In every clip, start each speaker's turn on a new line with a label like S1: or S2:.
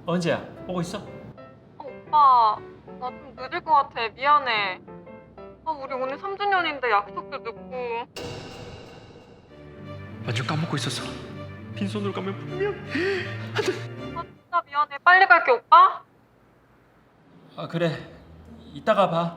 S1: 언제야? 오고 있어?
S2: 오빠, 나 좀 늦을 것 같아. 미안해. 우리 오늘 3주년인데 약속도 늦고.
S1: 완전 까먹고 있었어. 빈손으로 가면 분명.
S2: 진짜 미안해. 빨리 갈게, 오빠.
S1: 아 그래. 이따가 봐.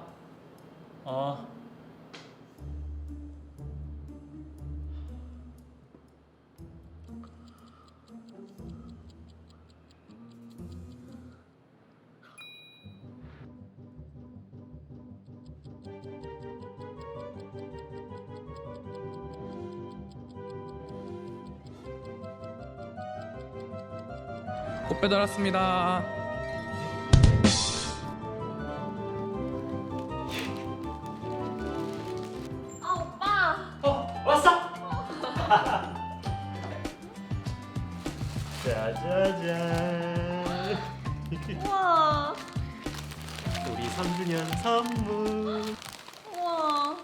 S3: 꽃 배달 왔습니다.
S2: 오빠.
S1: 왔어? 짜자잔.
S2: 우와.
S1: 우리 3주년 선물.
S2: 우와.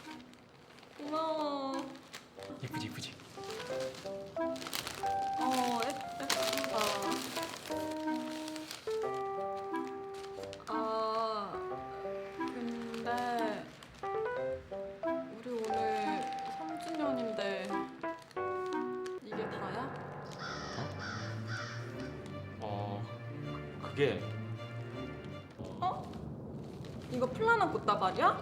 S2: 고마워.
S1: 이쁘지 이쁘지.
S2: 예쁘다. 근데 우리 오늘 3주년인데 이게 다야?
S1: 그게
S2: 이거 플라나 꽃다발이야?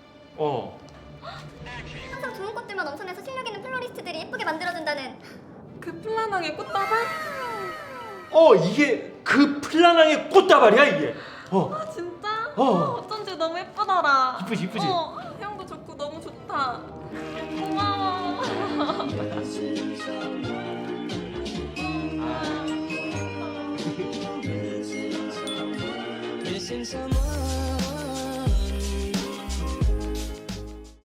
S4: 항상 좋은 꽃들만 엄선해서 실력 있는 플로리스트들이 예쁘게 만들어준다는.
S2: 그 플라낭의 꽃다발?
S1: 이게 그 플라낭의 꽃다발이야 이게.
S2: 진짜?
S1: 어.
S2: 어쩐지 너무 예쁘더라.
S1: 이쁘지, 이쁘지?
S2: 향도 좋고 너무 좋다. 고마워.
S5: Missing someone